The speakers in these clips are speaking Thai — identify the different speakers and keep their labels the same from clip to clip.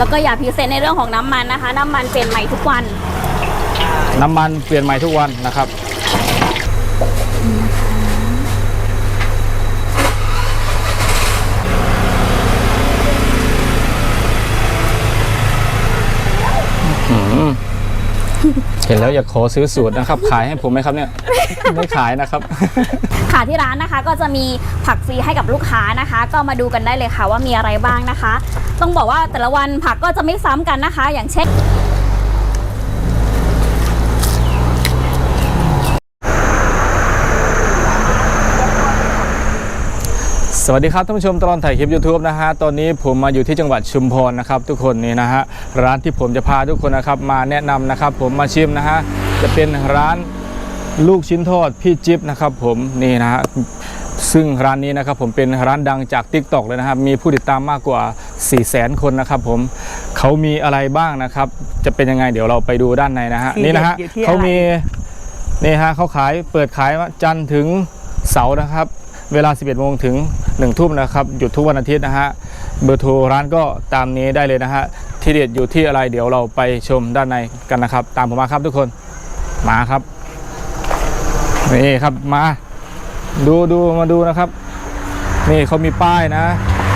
Speaker 1: แล้วก็อย่าพิเศษในเรื่องของน้ำมันนะคะน้ำมันเปลี่ยนใหม่ทุกวัน
Speaker 2: น้ำมันเปลี่ยนใหม่ทุกวันนะครับเห็นแล้วอยากขอซื้อสูตรนะครับขายให้ผมไหมครับเนี่ย ไม่ขายนะครับ
Speaker 1: ค่ะที่ร้านนะคะก็จะมีผักฟรีให้กับลูกค้านะคะก็มาดูกันได้เลยค่ะว่ามีอะไรบ้างนะคะต้องบอกว่าแต่ละวันผักก็จะไม่ซ้ำกันนะคะอย่างเช่น
Speaker 2: สวัสดีครับท่านผู้ชมตลอดถ่ายคลิป YouTube นะฮะตอนนี้ผมมาอยู่ที่จังหวัดชุมพรนะครับทุกคนนี่นะฮะร้านที่ผมจะพาทุกคนนะครับมาแนะนำนะครับผมมาชิมนะฮะจะเป็นร้านลูกชิ้นทอดพี่จิ๊บนะครับผมนี่นะฮะซึ่งร้านนี้นะครับผมเป็นร้านดังจาก TikTok เลยนะครับมีผู้ติดตามมากกว่า 400,000 คนนะครับผมเขามีอะไรบ้างนะครับจะเป็นยังไงเดี๋ยวเราไปดูด้านในนะฮะนี่นะฮะเขามีนี่ฮะเขาเปิดขายจันทร์ถึงเสาร์นะครับเวลา 11 โมงถึง 1 ทุ่มนะครับหยุดทุกวันอาทิตย์นะฮะเบอร์โทรร้านก็ตามนี้ได้เลยนะฮะที่เด็ดอยู่ที่อะไรเดี๋ยวเราไปชมด้านในกันนะครับตามผมมาครับทุกคนมาครับนี่ครับมามาดูนะครับนี่เขามีป้ายนะ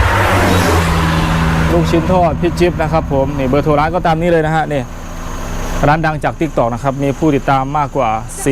Speaker 2: ลูกชิ้นทอดพี่จิ๊บนะครับผมนี่เบอร์โทรร้านก็ตามนี้เลยนะฮะนี่ร้านดังจาก TikTok นะครับมีผู้ติดตามมากกว่า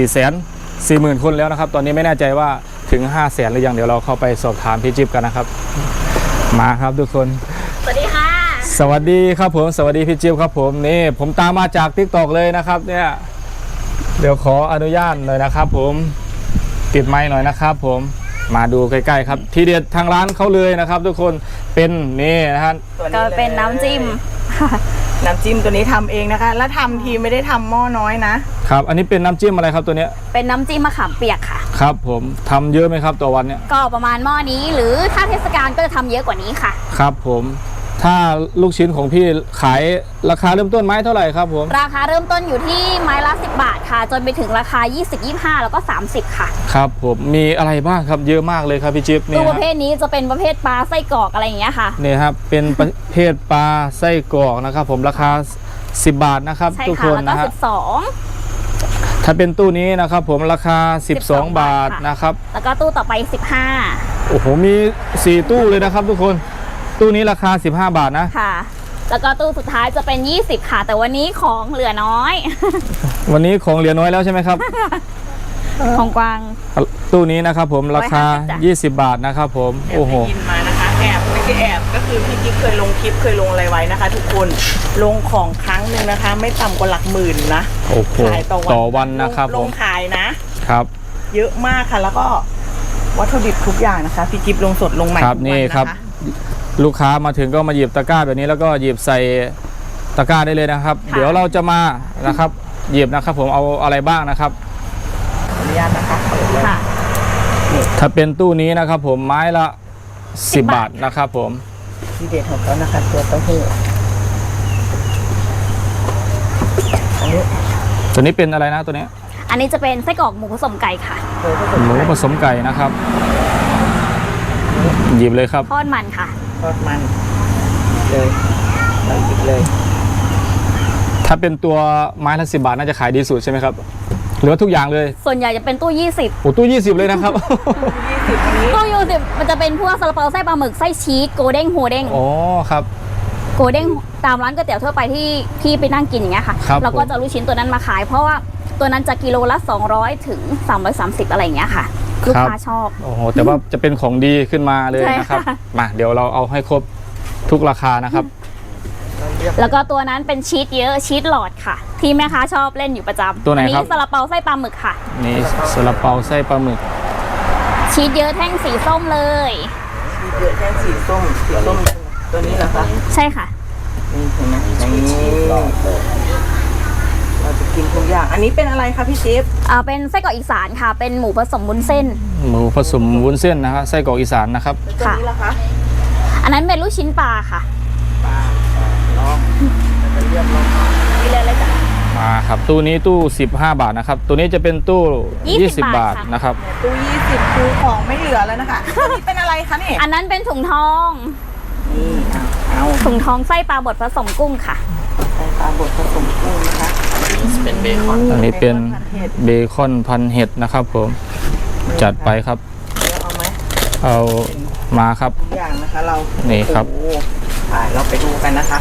Speaker 2: 440,000 คนแล้วนะครับตอนนี้ไม่แน่ใจว่าถึง 500,000 หรือยังเดี๋ยวเราเข้าไปสอบถามพี่จิ๊บกันนะครับมาครับทุกคน
Speaker 1: สวัสดีค่ะ
Speaker 2: สวัสดีครับผมสวัสดีพี่จิ๊บครับผมนี่ผมตามมาจาก TikTok เลยนะครับเนี่ยเดี๋ยวขออนุญาตหน่อยนะครับผมติดไมค์หน่อยนะครับผมมาดูใกล้ๆครับทีเด็ดทางร้านเขาเลยนะครับทุกคนเป็นนี่นะฮะ
Speaker 1: ก็เป็นน้ำจิ้ม
Speaker 3: น้ำจิ้มตัวนี้ทำเองนะคะแล้วทำทีไม่ได้ทำหม้อน้อยนะครับ
Speaker 2: อันนี้เป็นน้ำจิ้มอะไรครับตัวเนี้ย
Speaker 1: เป็นน้ำจิ้มมะขามเปียกค่ะ
Speaker 2: ครับผมทำเยอะไหมครับต่อวันเนี่ย
Speaker 1: ก็ประมาณหม้อนี้หรือถ้าเทศกาลก็จะทำเยอะกว่านี้ค่ะ
Speaker 2: ครับผมถ้าลูกชิ้นของพี่ขายราคาเริ่มต้นไม้เท่าไหร่ครับผม
Speaker 1: ราคาเริ่มต้นอยู่ที่ไม้ละ10 บาทค่ะจนไปถึงราคา20 25แล้วก็30ค่ะ
Speaker 2: ครับผมมีอะไรบ้างครับเยอะมากเลยครับพี่จิ๊บนี่
Speaker 1: ตัวประเภทนี้จะเป็นประเภทปลาไส้กรอกอะไรอย่างเงี้ยค่ะ
Speaker 2: นี่ครับเป็นประเภทปลาไส้กรอกนะครับผมราคา10 บาทนะครับทุกคนนะฮะถ้าเป็นตู้นี้นะครับผมราคา12 บาทนะครับ
Speaker 1: แล้วก็ตู้ต่อไป15
Speaker 2: โอ้โหมี4ตู้เลยนะครับทุกคนตู้นี้ราคา15 บาทนะ
Speaker 1: ค่ะแล้วก็ตู้สุดท้ายจะเป็น20ค่ะแต่วันนี้ของเหลือน้อย
Speaker 2: วันนี้ของเหลือน้อยแล้วใช่ไหมครับ
Speaker 1: ของกวาง
Speaker 2: ตู้นี้นะครับผมราคา20 บาทนะครับผมโอ้โห
Speaker 3: ยินมานะคะแอบไม่ใช่แอบก็คือพี่กิ๊กเคยลงคลิปเคยลงอะไรไว้นะคะทุกคนลงของครั้งหนึ่งนะคะไม่ต่ำกว่าหลักหมื่นนะ
Speaker 2: โอ้โหต่อวันนะครับ
Speaker 3: ลงขายนะครับเยอะมากค่ะแล้วก็วัตถุดิบทุกอย่างนะคะพี่กิ๊กลงสดลงใหม่
Speaker 2: ครับนี่ครับลูกค้ามาถึงก็มาหยิบตะกร้าแบบนี้แล้วก็หยิบใส่ตะกร้าได้เลยนะครับเดี๋ยวเราจะมานะครับหยิบนะครับผมเอาอะไรบ้างนะครับ
Speaker 3: อนุญาตนะคะ
Speaker 1: ค่ะ
Speaker 2: ถ้าเป็นตู้นี้นะครับผมไม้ละ10 บาทนะครับผม
Speaker 3: ที่เด็ดของเขานะคะตัวเต้าหู้
Speaker 2: ตัวนี้เป็นอะไรนะตัวนี้
Speaker 1: อันนี้จะเป็นไส้กรอกหมูผสมไก่ค่ะ
Speaker 2: หมูผสมไก่นะครับหยิบเลยครับ
Speaker 1: ทอดมันค่ะ
Speaker 3: ทอดมันเลยเราหยิบเลย
Speaker 2: ถ้าเป็นตัวไม้ละ10 บาทน่าจะขายดีสุดใช่ไหมครับหรือทุกอย่างเลย
Speaker 1: ส่วนใหญ่จะเป็นตู้20
Speaker 2: โอ้ตู้20เลยนะครับ
Speaker 1: ตู้20มันจะเป็นพวกซาลาเปาไส้ปลาหมึกไส้ชีสโกเด้งโฮเด้ง
Speaker 2: อ๋อครับ
Speaker 1: โกเด้งตามร้านก๋วยเตี๋ยวทั่วไปที่พี่ไปนั่งกินอย่างเงี้ยค่ะเราก็จะลูกชิ้นตัวนั้นมาขายเพราะว่าตัวนั้นจะกิโลละ200ถึง330อะไรอย่างเงี้ยค่ะลูกค้าชอบ
Speaker 2: โอ้โหแต่ว่าจะเป็นของดีขึ้นมาเลยนะครับมาเดี๋ยวเราเอาให้ครบทุกราคานะครับ
Speaker 1: แล้วก็ตัวนั้นเป็นชีสเยอะชีสหลอดค่ะที่แม่ค้าชอบเล่นอยู่ประจำ
Speaker 2: ตัวไหนครับ
Speaker 1: นี้ซาลาเปาไส้ปลาหมึกค่ะ
Speaker 2: นี่ซาลาเปาไส้ปลาหมึก
Speaker 1: ชีสเยอะแท่งสีส้มเลย
Speaker 3: ชีสเยอะแท่งสีส้มตัวนี้เหรอคะ
Speaker 1: ใช่ค่ะ
Speaker 3: นี่เห็นไหมเราจะกินทุกอย่างอันนี้เป็นอะไรคะพี่จิ๊บ
Speaker 1: เป็นไส้กรอกอีสานค่ะเป็นหมูผสมวุ้นเส้น
Speaker 2: หมูผสมวุ้นเส้นนะครับไส้กรอกอีสานนะครับ
Speaker 3: ตัวนี้ล่ะคะ
Speaker 1: อันนั้นเป็นลูกชิ้นปลาค่ะ
Speaker 3: ปลาน้องจะเรียบร้อย
Speaker 1: นี่เลยจ้ะ
Speaker 2: มาครับตู้นี้ตู้15 บาทนะครับตัวนี้จะเป็นตู้20 บาทนะครับ
Speaker 3: ตู้20คือของไม่เหลือแล้วนะคะตัวนี้เป็นอะไรคะนี่
Speaker 1: อันนั้นเป็นถุงทอง
Speaker 3: นี่เอา
Speaker 1: ถุงทองไส้ปลาบดผสมกุ้งค่ะ
Speaker 3: ใส่ปลาบดผสมกุ้งนะคะเป็นเบคอน
Speaker 2: อันนี้เป็นเบคอนพันเห็ดนะครับผมจัดไปครับ
Speaker 3: เอาไหม
Speaker 2: เอามาครับ
Speaker 3: ทุกอย่างนะคะเรา
Speaker 2: นี่ครับ
Speaker 3: โอ้โหไปเราไปดูกันนะคะ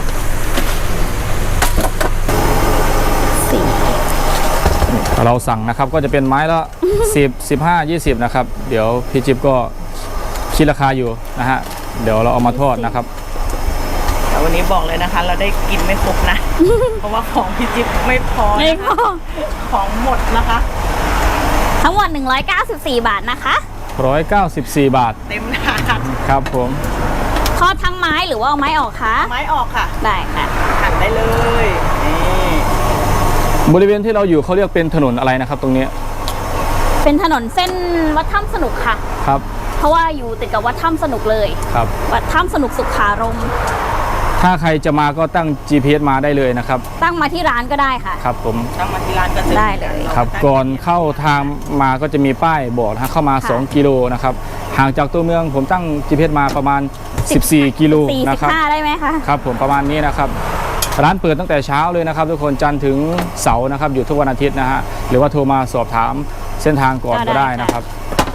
Speaker 2: เราสั่งนะครับก็จะเป็นไม้ละ 10 15 20นะครับเดี๋ยวพี่จิ๊บก็คิดราคาอยู่นะฮะเดี๋ยวเราเอามาทอดนะครับ
Speaker 3: แต่วันนี้บอกเลยนะคะ เราได้กินไม่ครบนะ เพราะว่าของพี่จิ๊บไม่พอ
Speaker 1: นี่
Speaker 3: นะคะ
Speaker 1: ก็
Speaker 3: ของหมดนะคะ
Speaker 1: ทั้งหมด194 บาทนะคะ
Speaker 2: 194 บาท
Speaker 3: เต็มถาด
Speaker 2: ครับผม
Speaker 1: ทอดทั้งไม้หรือว่าเอาไม้ออกคะ
Speaker 3: ไม้ออกค่ะ
Speaker 1: ได้ค่ะ
Speaker 3: หั่นได้เลยนี่
Speaker 2: บริเวณที่เราอยู่เขาเรียกเป็นถนนอะไรนะครับตรงนี้
Speaker 1: เป็นถนนเส้นวัดถ้ำสนุกค่ะ
Speaker 2: ครับ
Speaker 1: เพราะว่าอยู่ติดกับวัดถ้ำสนุกเลย
Speaker 2: ครับ
Speaker 1: วัดถ้ำสนุกสุขารมณ์
Speaker 2: ถ้าใครจะมาก็ตั้ง GPS มาได้เลยนะครับ
Speaker 1: ตั้งมาที่ร้านก็ได้ค่ะ
Speaker 2: ครับผม
Speaker 3: ตั้งมาที่ร้านก็จะ
Speaker 1: ได้เลย
Speaker 2: ครับก่อนเข้าทางมาก็จะมีป้ายบอกนะเข้ามา
Speaker 1: ค่ะ
Speaker 2: 2 กิโลนะครับห่างจากตัวเมืองผมตั้ง GPS มาประมาณ 14 กิโลนะครับ
Speaker 1: 45ได้ไหมคะ
Speaker 2: ครับผมประมาณนี้นะครับร้านเปิดตั้งแต่เช้าเลยนะครับทุกคนจันทร์ถึงเสาร์นะครับอยู่ทุกวันอาทิตย์นะฮะหรือว่าโทรมาสอบถามเส้นทางก่อนก็ได้นะครับ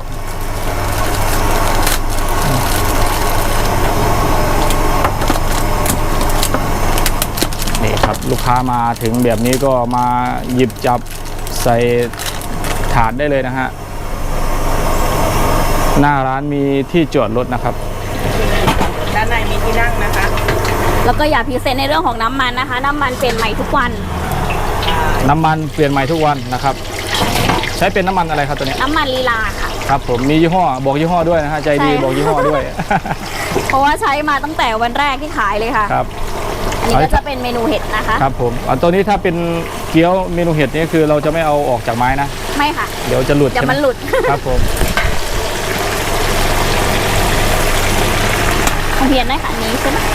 Speaker 2: นี่ครับลูกค้ามาถึงแบบนี้ก็มาหยิบจับใส่ถาดได้เลยนะฮะหน้าร้านมีที่จอดรถนะครับ
Speaker 3: ด้านในมีที่นั่งนะคะ
Speaker 1: แล้วก็อย่าพิเศษในเรื่องของน้ำมันนะคะ น้ำมันเปลี่ยนใหม่ทุกวัน
Speaker 2: น้ำมันเปลี่ยนใหม่ทุกวันนะครับใช้เป็นน้ำมันอะไรครับตัวนี้
Speaker 1: น้ำมันลีลาค่ะ
Speaker 2: ครับผมมียี่ห้อบอกยี่ห้อด้วยนะฮะใจดี
Speaker 1: ใช่
Speaker 2: บอกยี่ห้อด้วย
Speaker 1: เพราะว่าใช้มาตั้งแต่วันแรกที่ขายเลยค่ะ
Speaker 2: ครับ
Speaker 1: อันนี้ก็จะเป็นเมนูเห็ดนะคะ
Speaker 2: ครับผมอันตัวนี้ถ้าเป็นเกี๊ยวเมนูเห็ดนี่คือเราจะไม่เอาออกจากไม้นะ
Speaker 1: ไม่ค่ะ
Speaker 2: เดี๋ยวจะหลุด
Speaker 1: อย่า
Speaker 2: ใช่ไห
Speaker 1: มันหลุด
Speaker 2: ครับผม
Speaker 1: ของเพียนได้ค่ะอันนี้ใช่ไหม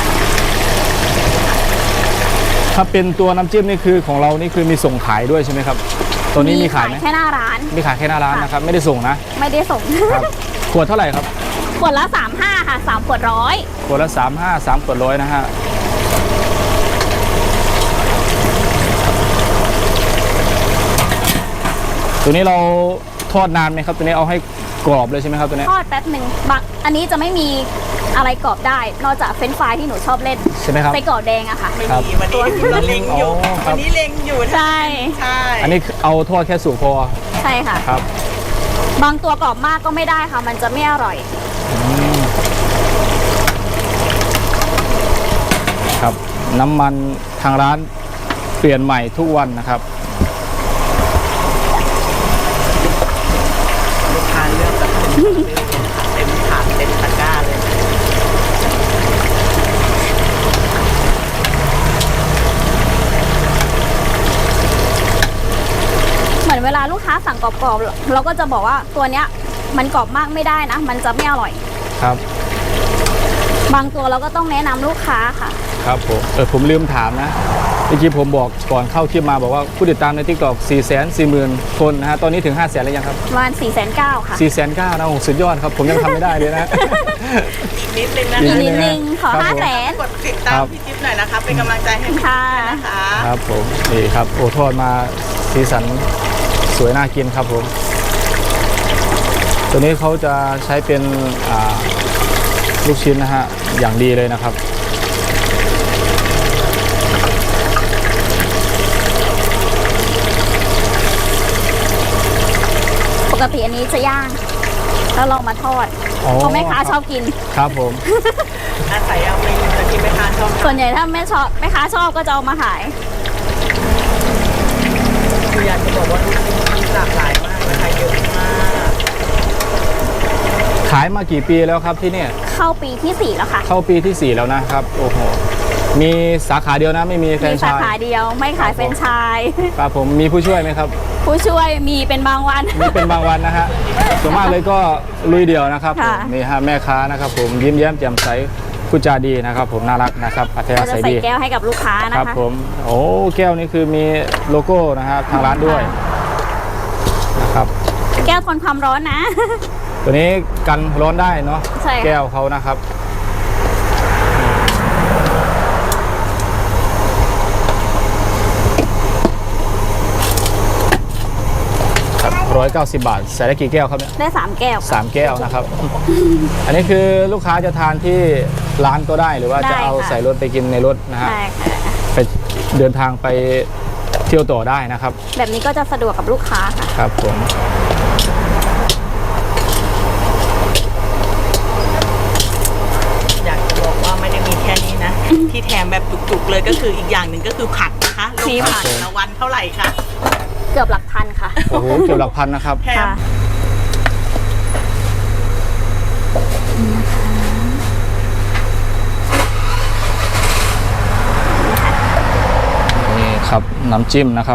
Speaker 2: ถ้าเป็นตัวน้ำจิ้มนี่คือของเรานี่คือมีส่งขายด้วยใช่ไหมครับตัวนี้มีขายไหม
Speaker 1: แค่หน้าร้าน
Speaker 2: มีขายแค่หน้าร้านนะครับไม่ได้ส่งนะ
Speaker 1: ไม่ได้ส่ง
Speaker 2: ครับขวดเท่าไหร่ครับ
Speaker 1: ขวดละ35ค่ะ3ขวดร้อย
Speaker 2: ขวดละ35 3ขวด100นะฮะตัวนี้เราทอดนานไหมครับตัวนี้เอาให้กรอบเลยใช่ไหมครับตัวนี้
Speaker 1: ทอดแป๊บหนึ่งบักอันนี้จะไม่มีอะไรกรอบได้ นอกจากเฟรนช์ฟรายที่หนูชอบเล่น
Speaker 2: ใช่ไหมครับ
Speaker 1: ไส้กรอกแดงอะค่ะ
Speaker 3: ไม่
Speaker 2: ครับ
Speaker 3: มีวันนี้เราเล็งอยู่
Speaker 2: อ๋อครับ
Speaker 3: วันนี้เล็งอยู่
Speaker 1: ใช่
Speaker 3: ใช่
Speaker 2: อันนี้เอาทอดแค่สุกพอ
Speaker 1: ใช่ค่ะ
Speaker 2: ครับ
Speaker 1: บางตัวกรอบมากก็ไม่ได้ค่ะ มันจะไม่อร่อย
Speaker 2: ครับน้ำมันทางร้านเปลี่ยนใหม่ทุกวันนะครับ
Speaker 3: ลูกค้าเลือกแบบเต็มถาดเต็มตะกร้าเลย
Speaker 1: เหมือนเวลาลูกค้าสั่งกรอบๆเราก็จะบอกว่าตัวเนี้ยมันกรอบมากไม่ได้นะ มันจะไม่อร่อย
Speaker 2: ครับ
Speaker 1: บางตัวเราก็ต้องแนะนำลูกค้าค่ะ
Speaker 2: ครับผมลืมถามนะเมื่อกี้ผมบอกก่อนเข้าคลิปมาบอกว่าผู้ติดตามใน TikTok 440,000 คนนะฮะตอนนี้ถึง 500,000แล้วยังครับ
Speaker 1: ประมาณ409,000ค่ะ
Speaker 2: 409,000นะโอ้โหสุดยอดครับผมยังทำไม่ได้เลยนะ
Speaker 3: อีกนิดนึงนะ
Speaker 2: อี
Speaker 1: อีก
Speaker 3: คะ
Speaker 1: นิดนึงขอ
Speaker 2: ครับผม
Speaker 1: 500,000
Speaker 3: กดติดตามพี่จิ๊บหน่อยนะคะ เป็นกำลังใจให้พี่จิ๊บ
Speaker 1: ค่ะ
Speaker 3: ด้วยนะคะ
Speaker 2: ครับผมนี่ครับโอ้ทอดมาสีสันสวยน่ากินครับผมตัวนี้เขาจะใช้เป็นลูกชิ้นนะฮะอย่างดีเลยนะครับ
Speaker 1: ปกติอันนี้จะย่างแล้วเรามาทอด
Speaker 2: อ๋อ
Speaker 1: เพราะแม่ค้าชอบกิน
Speaker 2: ครับผม
Speaker 3: อาศัยเอาเมนูที่แม่ค้าชอบ
Speaker 1: ส่วนใหญ่ถ้าแม่ค้าชอบก็จะเอามาขาย
Speaker 3: คืออยากจะบอกว่าลูกชิ้นมีหลากหลายมากนะคะเยอะมาก
Speaker 2: ขายมากี่ปีแล้วครับที่เนี่ย
Speaker 1: เข้าปีที่ 4 แล้วค่ะ
Speaker 2: เข้าปีที่ 4 แล้วนะครับโอ้โหมีสาขาเดียวนะไม่มีแฟร
Speaker 1: มี
Speaker 2: นไช
Speaker 1: สา
Speaker 2: ส์
Speaker 1: ขาเดียวไม่ขายเฟรนไชส์
Speaker 2: ครับผมมีผู้ช่วยไหมครับ
Speaker 1: ผู้ช่วยมีเป็นบางวัน
Speaker 2: มีเป็นบางวันนะฮะส่วนมากเลยก็ลุยเดียวนะครับผม
Speaker 1: ค่ะ
Speaker 2: นี่ฮะแม่ค้านะครับผมยิ้มแย้มแจ่มใสพูดจาดีนะครับผมน่ารักนะครับอัธยา
Speaker 1: เราจะ
Speaker 2: ศัย
Speaker 1: ใส่
Speaker 2: ดี
Speaker 1: แก้วให้กับลูกค้า
Speaker 2: ค
Speaker 1: นะ
Speaker 2: รับ
Speaker 1: คะ
Speaker 2: ผมโอ้แก้วนี้คือมีโลโก้นะฮะทางร้านด้วยนะครับ
Speaker 1: แก้วทนความร้อนนะ
Speaker 2: ตัวนี้กันร้อนได้เนาะ
Speaker 1: ใช่ค่ะ
Speaker 2: แก้วเขานะครับ 190 บาทใส่ได้กี่แก้วครับเนี่ย
Speaker 1: ได้3แก้วค่ะ
Speaker 2: 3 แก้วนะครับ อันนี้คือลูกค้าจะทานที่ร้านก็ได้หรือว่าจะเอาใส่รถไปกินในรถนะฮะ
Speaker 1: ใช่ค่ะ
Speaker 2: ไปเดินทางไปเที่ยวต่อได้นะครับ
Speaker 1: แบบนี้ก็จะสะดวกกับลูกค้าค่ะ
Speaker 2: ครับผม
Speaker 3: อยากจะบอกว่าไม่ได้มีแค่นี้นะ ที่แถมแบบจุกๆเลยก็คืออีกอย่างหนึ่งก็คือผักนะคะลง
Speaker 1: มีผั
Speaker 3: ผั
Speaker 1: ก
Speaker 3: กละวันเท่าไหร่คะ
Speaker 1: เกือบหลักพันค่ะ
Speaker 2: โอ้โหเกี่ยวหลักพันนะครับ
Speaker 3: แถม
Speaker 1: ค่ะ
Speaker 2: นี่ครับน้ำจิ้มนะครับ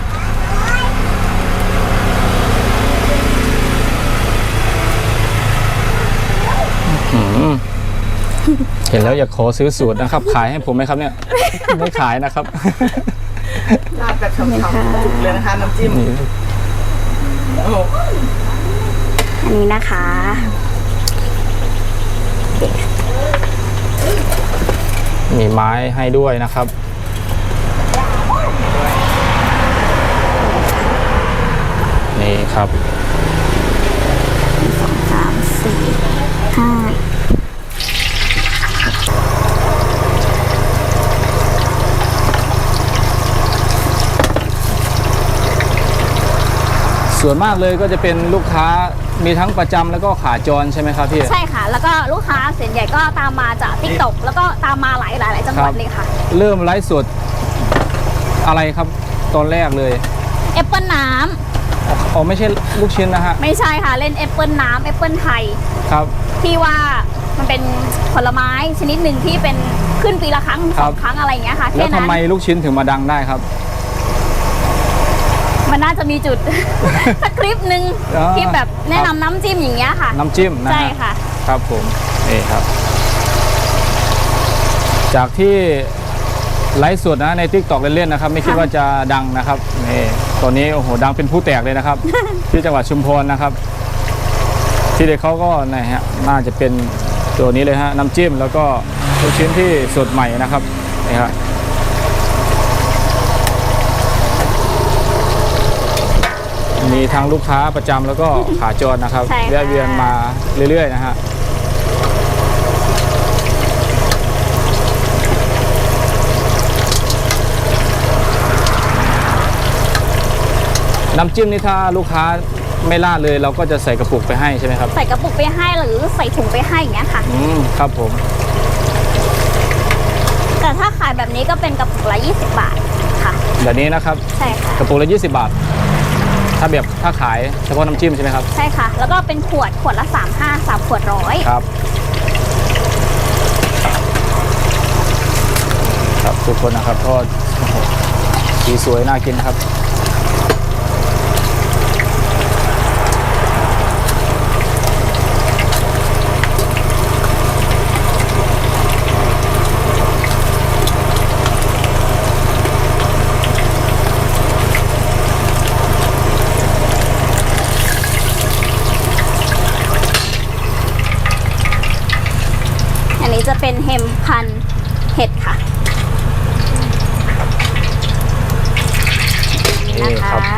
Speaker 2: อื้อหือเห็นแล้วอยากขอซื้อสูตรนะครับ ขายให้ผมไหมครับเนี่ย ไม่ขายนะครับ
Speaker 3: ราดแบบฉ่ำๆจุกเลยนะคะน้ำจิ้ม
Speaker 2: นี่
Speaker 3: โอ้โห
Speaker 1: อันนี้นะคะ
Speaker 2: มีไม้ให้ด้วยนะครับ นี่ครับ
Speaker 1: 3 4 5
Speaker 2: ส่วนมากเลยก็จะเป็นลูกค้ามีทั้งประจำแล้วก็ขาจรใช่ไหมครับพี่
Speaker 1: ใช่ค่ะ แล้วก็ลูกค้าส่วนใหญ่ก็ตามมาจากติ๊กต็อกแล้วก็ตามมาหลายจังหวัดเลยค่ะ
Speaker 2: เริ่มไลฟ์สดอะไรครับตอนแรกเลย
Speaker 1: แอปเปิลน้
Speaker 2: อ๋อไม่ใช่ลูกชิ้นนะฮะ
Speaker 1: ำไม่ใช่ค่ะ เล่นแอปเปิลน้ำแอปเปิลไทย
Speaker 2: ครับ
Speaker 1: ที่ว่ามันเป็นผลไม้ชนิดหนึ่งที่เป็นขึ้นปีละครั้ง
Speaker 2: ครั
Speaker 1: ส
Speaker 2: บ
Speaker 1: องครั้งอะไรอย่างเงี้ยค่ะ
Speaker 2: แล้ว
Speaker 1: แค่
Speaker 2: ทำ
Speaker 1: นั้น
Speaker 2: ไมลูกชิ้นถึงมาดังได้ครับ
Speaker 1: มันน่าจะมีจุด สักคลิปหนึ่ง
Speaker 2: อ๋อ
Speaker 1: ที่แบบแนะ
Speaker 2: ครับ
Speaker 1: นำน้ำจิ้มอย่างเงี้ยค่ะ
Speaker 2: น้ำจิ้มนะฮะ
Speaker 1: ใช่ค่ะ
Speaker 2: ครับผมนี่ครับ จากที่ไลฟ์สดนะใน TikTok เล่นๆนะครับ ไม่คิดว่าจะดังนะครับนี่ตอนนี้โอ้โหดังเป็นผู้แตกเลยนะครับ ที่จังหวัดชุมพรนะครับ ที่เด็กเขาก็นะฮะน่าจะเป็นตัวนี้เลยฮะน้ำจิ้มแล้วก็ลูกชิ้นที่สดใหม่นะครับนี่ครับมีทั้งลูกค้าประจำแล้วก็ขาจรนะครับ
Speaker 1: ใช่ค่ะ
Speaker 2: แวะเวียนมาเรื่อยๆนะฮะน้ำจิ้มนี่ถ้าลูกค้าไม่ราดเลยเราก็จะใส่กระปุกไปให้ใช่ไหมครับ
Speaker 1: ใส่กระปุกไปให้หรือใส่ถุงไปให้อย่างเงี้ยค่ะ
Speaker 2: ครับผม
Speaker 1: แต่ถ้าขายแบบนี้ก็เป็นกระปุกละ20 บาทค่ะ
Speaker 2: แบบนี้นะครับ
Speaker 1: ใช่ค่ะ
Speaker 2: กระปุกละ20 บาท ถ้าขายเฉพาะน้ำจิ้มใช่ไหมครับ
Speaker 1: ใช่ค่ะ แล้วก็เป็นขวดละ35 3 ขวด100
Speaker 2: ครับครับทุกคนนะครับก็โอ้โหสีสวยน่ากินนะครับ
Speaker 1: อันนี้จะเป็นเฮมพันธุ์เห็ดค่ะ
Speaker 2: นี่
Speaker 1: นะ
Speaker 2: ครั
Speaker 1: คะ
Speaker 2: บ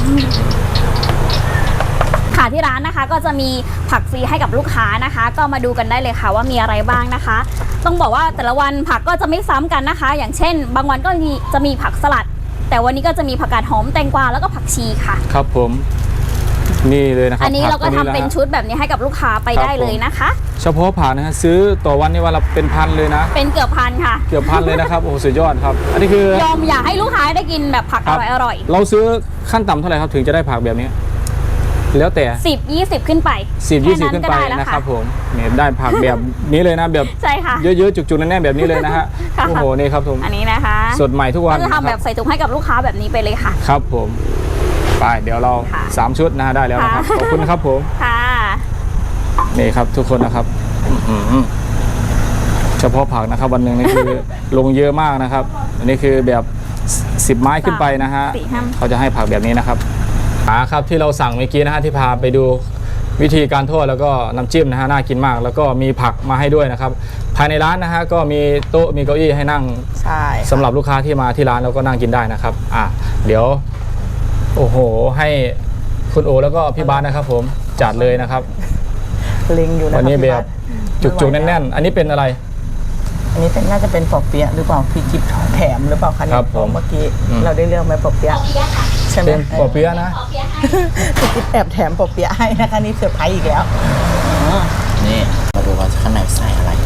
Speaker 1: ค่ะที่ร้านนะคะก็จะมีผักฟรีให้กับลูกค้านะคะ ก็มาดูกันได้เลยค่ะว่ามีอะไรบ้างนะคะ ต้องบอกว่าแต่ละวันผักก็จะไม่ซ้ำกันนะคะ อย่างเช่น บางวันก็จะมีผักสลัด แต่วันนี้ก็จะมีผักกาดหอมแตงกวาแล้วก็ผักชีค่ะ
Speaker 2: ครับผมนี่เลยนะครับ
Speaker 1: อันนี้เราก็ทำ
Speaker 2: ผั
Speaker 1: เป็น
Speaker 2: ตัวะ
Speaker 1: ชุดแบบนี้ให้กับลูกค้าไป
Speaker 2: ครับ
Speaker 1: ได้เลยนะคะ
Speaker 2: เฉพาะผักนะฮะซื้อต่อวันนี่วันละเป็นพันเลยนะ
Speaker 1: เป็นเกือบพันค่ะ
Speaker 2: เกือบพันเลยนะครับ โอ้โหสุดยอดครับ อันนี้คือย
Speaker 1: อมอยากให้ลูกค้าได้กินแบบผัก
Speaker 2: ค
Speaker 1: อบ ร่อย
Speaker 2: เราซื้อขั้นต่ำเท่าไหร่ครับถึงจะได้ผักแบบนี้ แล้วแต่
Speaker 1: ๆ10-20 ขึ้นไป
Speaker 2: 10-20 ขึ้นไป
Speaker 1: แค่ก็ด้แล้ว
Speaker 2: นะครับผมเนี่ยได้ผักแบบนี้เลยนะแบบ
Speaker 1: ใช่ค่ะ
Speaker 2: เยอะๆจุกๆแน่นๆแบบนี้เลยนะฮะ
Speaker 1: ค่ะ
Speaker 2: โอ้โหนี่ครับผม
Speaker 1: อันนี้นะคะ
Speaker 2: สดใหม่ทุกวัน
Speaker 1: ก็จะทำแบบใส่ถุงให้กับลูกค้าแบบนี้ไปเลยค่ะ
Speaker 2: ครับผมไปเดี๋ยวเรา
Speaker 1: ค่ะ
Speaker 2: 3 ชุดนะฮะได้แล้วนะครับ
Speaker 1: ค่ะ
Speaker 2: ขอบคุณนะครับผม
Speaker 1: ค่ะ
Speaker 2: นี่ครับทุกคนนะครับอื้อหือเฉพาะผักนะครับวันหนึ่งนี่คือ ลงเยอะมากนะครับ อันนี้คือแบบ10 ไม้ขึ้นไปนะฮะ
Speaker 1: 4 5
Speaker 2: เขาจะให้ผักแบบนี้นะครับครับที่เราสั่งเมื่อกี้นะฮะที่พาไปดูวิธีการทอดแล้วก็น้ำจิ้มนะฮะน่ากินมาก แล้วก็มีผักมาให้ด้วยนะครับ ภายในร้านนะฮะก็มีโต๊ะมีเก้าอี้ให้นั่ง
Speaker 3: ใช่
Speaker 2: สำหรับลูกค้าที่มาที่ร้านแล้วก็นั่งกินได้นะครับเดี๋ยวโอ้โหให้คคุณโอแล้วก็พี่บาสนะครับผมจัดเลยนะครับ
Speaker 3: เล็งอยู่นะ
Speaker 2: วันนี้
Speaker 3: พี่
Speaker 2: แบบ
Speaker 3: บาส
Speaker 2: จุกๆแน่นๆ อันนี้เป็นอะไร
Speaker 3: อันนี้น่าจะเป็นปอเปี๊ยะหรือเปล่าพี่จิ๊บแถมหรือเปล่าคะเนี่ย
Speaker 2: ครับผม
Speaker 3: เมื่อกี้เราได้เลือกไหมปอเปี๊ยะใช่ไหม
Speaker 2: เป็นปอเปี๊ยะนะ
Speaker 3: พี่จิ๊บแอบแถมปอเปี๊ยะให้นะคะนี่เซอร์ไพรส์อีกแล้ว
Speaker 4: นี่มาดูว่าข้างในใส่อะไร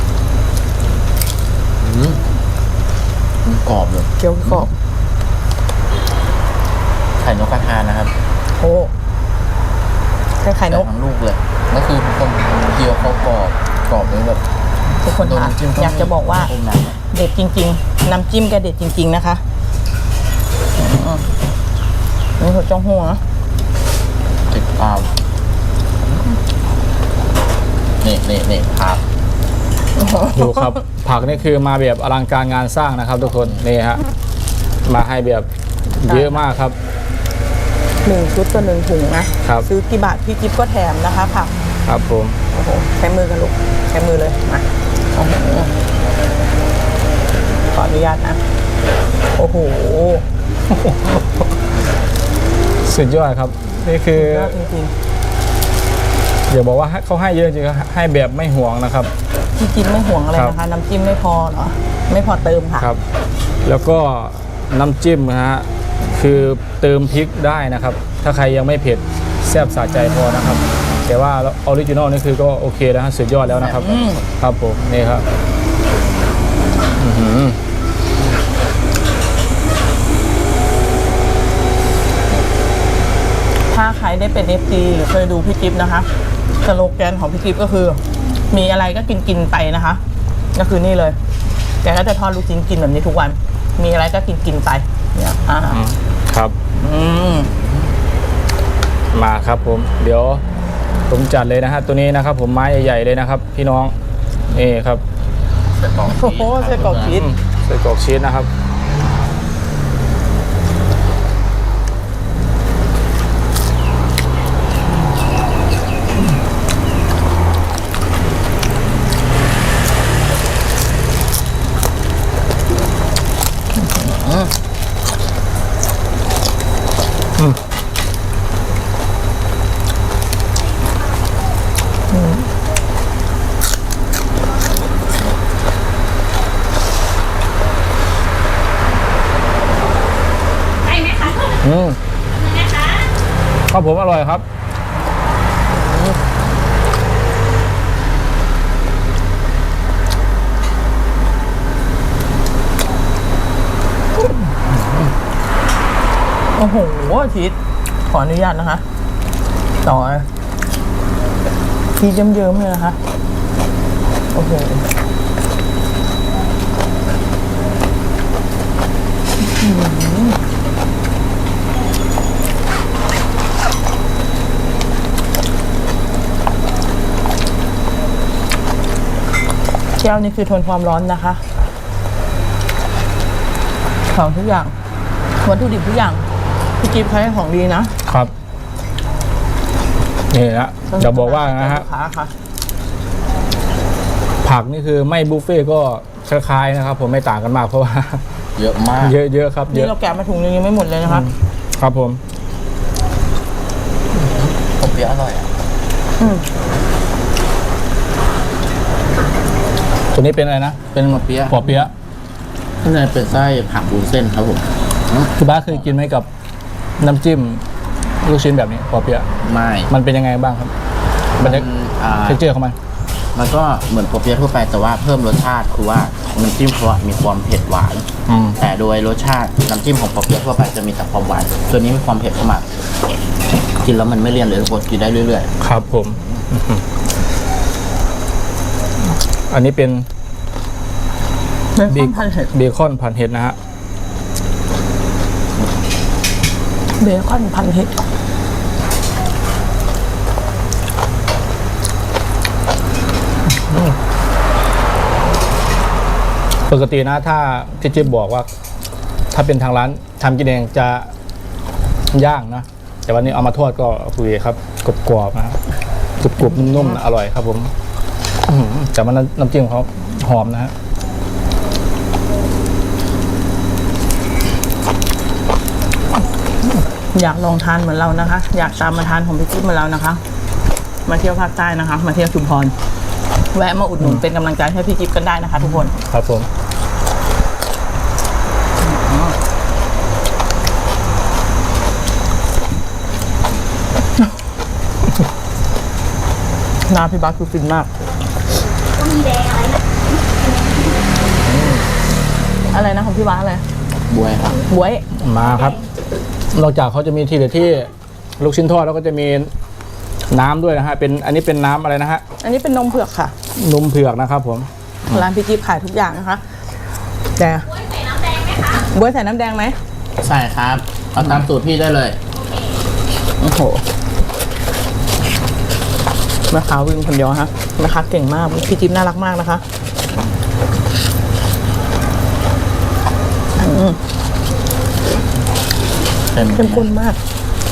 Speaker 4: มันกรอบเลย
Speaker 3: เกี๊ยวกรอบ
Speaker 4: ไข่นกกระทานะครับ
Speaker 3: โอ้ใช่ไข่น
Speaker 4: แต่
Speaker 3: ก
Speaker 4: ทั้งลูกเลยก็คือคนเกี๊ยวเขากรอบเลยแบบ
Speaker 3: ทุกคน
Speaker 4: โดน
Speaker 3: คะ
Speaker 4: น้ำจิ้ม
Speaker 3: อยากจะบอกว่า
Speaker 4: อมน้ำอะ
Speaker 3: เด็ดจริง ๆ น้ำจิ้มแกเด็ดจริง ๆนะคะนี่หัวจ้องหัว
Speaker 4: ติดตามนี่ครับ
Speaker 2: ดูครับ ผักนี่คือมาแบบอลังการงานสร้างนะครับ ทุกคนนี่ฮะมาให้แบบเยอะมากครับ
Speaker 3: 1 ชุดต่อ1 ถุงนะครับ ซื้อกี่บาทพี่จิ๊บก็แถมนะคะผัก
Speaker 2: ครับผม
Speaker 3: โอ้โหใช้มือกันลูกใช้มือเลยมาโอ้โหขออนุญาตนะ โอ้โห
Speaker 2: สุดยอดครับ นี่คือย
Speaker 3: อดจริง
Speaker 2: อย่าบอกว่าเขาให้เยอะจริงๆให้แบบไม่ห่วงนะครับ
Speaker 3: ๆพี่จิ๊บไม่ห่วงอะไร
Speaker 2: ครับ
Speaker 3: นะคะ น้ำจิ้มไม่พอเหรอไม่พอเติมค่ะ
Speaker 2: ครับ แล้วก็น้ำจิ้มนะฮะคือเติมพริกได้นะครับ ถ้าใครยังไม่เผ็ดแซ่บสะใจพอนะครับ แต่ว่าออริจินอลนี่คือก็โอเคแล้วฮะสุดยอดแล้วนะครับ ครับผมนี่ครับอื้อหือ
Speaker 3: ถ้าใครได้เป็น FT หรือเคยดูพี่จิ๊บนะคะสโลแกนของพี่จิ๊บก็คือ มีอะไรก็กินไปนะคะ ก็คือนี่เลยแกก็จะทอดลูกชิ้นกินแบบนี้ทุกวัน มีอะไรก็กินไปเนี่ย
Speaker 2: ครับ
Speaker 3: ม
Speaker 2: มาครับผมเดี๋ยวผมจัดเลยนะฮะตัวนี้นะครับ ผมไม้ใหญ่ๆเลยนะครับ พี่น้องนี่ครับ
Speaker 4: ใส่กรอก
Speaker 3: โอ้โหไส้กรอกชีส
Speaker 2: ใส่กรอกชีสนะครับ
Speaker 1: ใช่ไหมคะ นะคะ
Speaker 2: ครับผมอร่อยครับ
Speaker 3: โอ้โหชีสขออนุญาตนะคะ ต่อชีสเยิ้มๆเลยนะคะ โอ้โหแก้วนี่คือทนความร้อนนะคะ ของทุกอย่างวัตถุดิบทุกอย่างพี่จิ๊บใช้ของดีนะครับ
Speaker 2: นี่นะจะบอกว่านะฮะ
Speaker 3: ลูกค้าค่ะ
Speaker 2: ผักนี่คือไม่บุฟเฟ่ต์ก็คล้ายๆนะครับ ผมไม่ต่างกันมากเพราะว่า
Speaker 4: เยอะมาก
Speaker 2: เยอะๆครับเย
Speaker 3: นี่
Speaker 2: อะ
Speaker 3: เราแกะมาถุงนึงยังไม่หมดเลยนะคะ
Speaker 2: ครับผม
Speaker 4: ปอเปี๊ยะอร่อยอ่ะ
Speaker 2: ตัวนี้เป็นอะไรนะเป็น
Speaker 4: ปอเปี๊ยะ
Speaker 2: ปอเปี๊ยะ
Speaker 4: ข้างในเป็นไส้ผักวุ้นเส้นครับผม
Speaker 2: คุณบ้าสเคยกินไหมกับน้ำจิ้มลูกชิ้นแบบนี้ปอเปี๊ยะ
Speaker 4: ไม่
Speaker 2: มันเป็นยังไงบ้างครับมันจะ
Speaker 4: อ่า
Speaker 2: เทคเจอร์ของมัน
Speaker 4: มันก็เหมือนปอเปี๊ยะทั่วไปแต่ว่าเพิ่มรสชาติคือว่าน้ำจิ้มเขาอะมีความเผ็ดหวาน
Speaker 2: อืม
Speaker 4: แต่โดยรสชาติน้ำจิ้มของปอเปี๊ยะทั่วไปจะมีแต่ความหวานตัวนี้มีความเผ็ดเข้ามากินแล้วมันไม่เลี่ยนเลยทุกคนกินได้เรื่อย
Speaker 2: ครับผมอื้อหืออันนี้เป็น
Speaker 3: เบคอนพันเห็ด
Speaker 2: เบคอนผัดเห็ดนะฮะ
Speaker 3: เบคอนพันเห็ด
Speaker 2: ปกตินะถ้าพี่จิ๊บบอกว่า ถ้าเป็นทางร้านทำกินเองจะย่างนะแต่วันนี้เอามาทอดก็คุยครับกรอบๆนะกรุบๆนุ่มๆนะอร่อยครับผมอื้อหือแต่มันน้ำจิ้มเขาหอมนะฮะ
Speaker 3: อยากลองทานเหมือนเรานะคะ อยากตามมาทานของพี่จิ๊บเหมือนเรานะคะ มาเที่ยวภาคใต้นะคะ มาเที่ยวชุมพรแวะมาอุดหนุนเป็นกำลังใจให้พี่จิ๊บกันได้นะคะ ทุกคน
Speaker 2: ครับผม
Speaker 3: หน้าพี่บัสคือฟินมาก
Speaker 1: ก็มีแดงอะไรนะ
Speaker 3: อะไรนะของพี่บัสอะไร
Speaker 4: บวยครับ
Speaker 3: บวย
Speaker 2: มาครับ นอกจากเขาจะมีทีเด็ดที่ลูกชิ้นทอดแล้วก็จะมีน้ำด้วยนะฮะเป็นอันนี้เป็นน้ำอะไรนะฮะ
Speaker 3: อันนี้เป็นนมเผือกค่ะ
Speaker 2: นมเผือกนะครับผม
Speaker 3: ร้านพี่จิ๊บขายทุกอย่างนะคะ แต่
Speaker 1: ใส่น้ำแดงไหมคะ
Speaker 3: บวยใส่น้ำแดงไหม
Speaker 4: ใช่ครับ เอาตามสูตรพี่ได้เลย
Speaker 3: โอ้โหแม่ค้าวิ่งคนเดียวฮะแม่ค้าเก่งมากพี่จิ๊บน่ารักมากนะคะ เข้มข้นมาก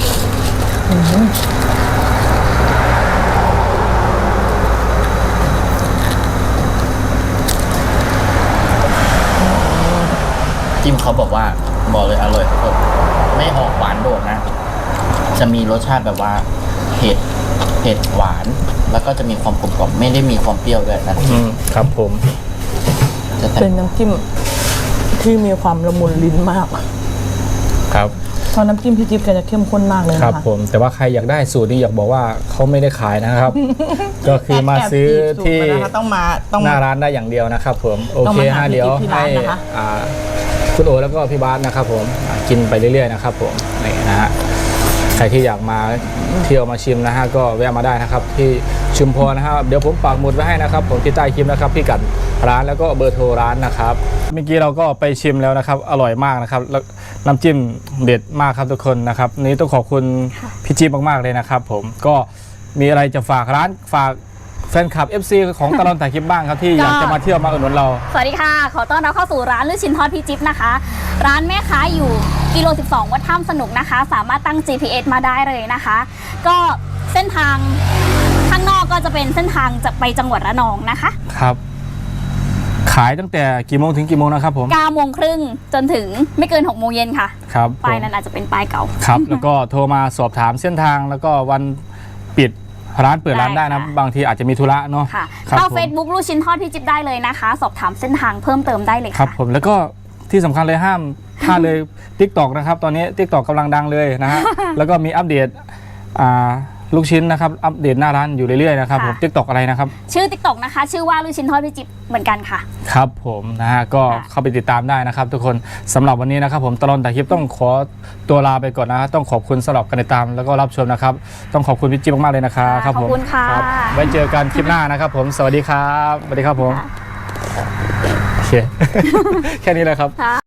Speaker 4: จิ้มเขาบอกว่าบอกเลยอร่อยทุกคนไม่ออกหวานโดดนะ จะมีรสชาติแบบว่าเผ็ดหวาน แล้วก็จะมีความกลมกล่อมไม่ได้มีความเปรี้ยวด้วยนะ
Speaker 2: ครับผม
Speaker 4: จะแต่
Speaker 3: เป็นน้ำจิ้มที่มีความละมุนลิ้นมาก
Speaker 2: ครับ
Speaker 3: เพราะน้ำจิ้มพี่จิ๊บแกจะเข้มข้นมากเลย
Speaker 2: ครับ
Speaker 3: นะคะ
Speaker 2: ผมแต่ว่าใครอยากได้สูตรนี้อยากบอกว่าเขาไม่ได้ขายนะครับ ก็คือมาซื้อ
Speaker 3: แอบจีบ
Speaker 2: ที่
Speaker 3: สูตรมานะคะต้องมา
Speaker 2: หน้าร้านได้อย่างเดียวนะครับผมโอ
Speaker 3: ต้อง
Speaker 2: เค
Speaker 3: มาหา
Speaker 2: ฮะ
Speaker 3: พี่
Speaker 2: เดี๋ยว
Speaker 3: จิ๊บที่
Speaker 2: ให้
Speaker 3: ร้านนะคะ
Speaker 2: คุณโอแล้วก็พี่บาสนะครับผมกินไปเรื่อยๆนะครับผมนี่นะฮะใครที่อยากมาเที่ยวมาชิมนะฮะก็แวะมาได้นะครับที่ชุมพรนะครับเดี๋ยวผมปักหมุดไว้ให้นะครับผมที่ใต้คลิปนะครับพี่กัดร้านแล้วก็เบอร์โทรร้านนะครับเมื่อกี้เราก็ไปชิมแล้วนะครับอร่อยมากนะครับแล้วน้ำจิ้มเด็ดมากครับทุกคนนะครับนี้ต้องขอบคุณพี่จิ๊บมากๆเลยนะครับผมก็มีอะไรจะฝากร้านฝากแฟนคลับ FC ของตลอดถ่ายคลิปบ้างครับที่อยากจะมาเที่ยวมาอุดหนุนเรา
Speaker 1: สวัสดีค่ะ ขอต้อนรับเข้าสู่ร้านลูกชิ้นทอดพี่จิ๊บนะคะ ร้านแม่ค้าอยู่กิโล 12 วัดถ้ำสนุกนะคะ สามารถตั้ง GPS มาได้เลยนะคะ ก็เส้นทางข้างนอกก็จะเป็นเส้นทางจะไปจังหวัดระนองนะคะ
Speaker 2: ครับ ขายตั้งแต่กี่โมงถึงกี่โมงนะครับผม
Speaker 1: 9 โมงครึ่งจนถึงไม่เกิน 6 โมงเย็นค่ะ
Speaker 2: ครับ
Speaker 1: ป้ายนั้นอาจจะเป็นป้ายเก่า
Speaker 2: ครับ แล้วก็โทรมาสอบถามเส้นทางแล้วก็วันปิดร้านเปิดร้านได้นะ
Speaker 1: ได้ค่ะ
Speaker 2: บางทีอาจจะมีธุระเนาะ
Speaker 1: ค่ะ
Speaker 2: ครับ
Speaker 1: เข้า
Speaker 2: ผม
Speaker 1: Facebook ลูกชิ้นทอดพี่จิ๊บได้เลยนะคะ สอบถามเส้นทางเพิ่มเติมได้เลย
Speaker 2: ครับ
Speaker 1: ค่ะ
Speaker 2: ผมแล้วก็ที่สำคัญเลยห้ามพลาดเลย TikTok นะครับตอนนี้ TikTok กำลังดังเลยนะ ฮะ แล้วก็มีอัปเดตลูกชิ้นนะครับอัปเดตหน้าร้านอยู่เรื่อยๆนะครับผม TikTok อะไรนะครับ
Speaker 1: ชื่อ TikTok นะคะ ชื่อว่าลูกชิ้นทอดพี่จิ๊บเหมือนกันค่ะ
Speaker 2: ครับผมนะฮะก็
Speaker 1: ค่ะ
Speaker 2: เข้าไปติดตามได้นะครับ ทุกคนสำหรับวันนี้นะครับผมตลอดถ่ายคลิปต้องขอตัวลาไปก่อนนะฮะต้องขอบคุณสำหรับการติดตามแล้วก็รับชมนะครับต้องขอบคุณพี่จิ๊บมากๆเลยนะครับครับผม
Speaker 1: ขอบคุณค่ะ
Speaker 2: รับไว้เจอกันคลิปหน้านะครับผมสวัสดีครับสวัสดีครับผมโอเค แค่นี้เลยครับ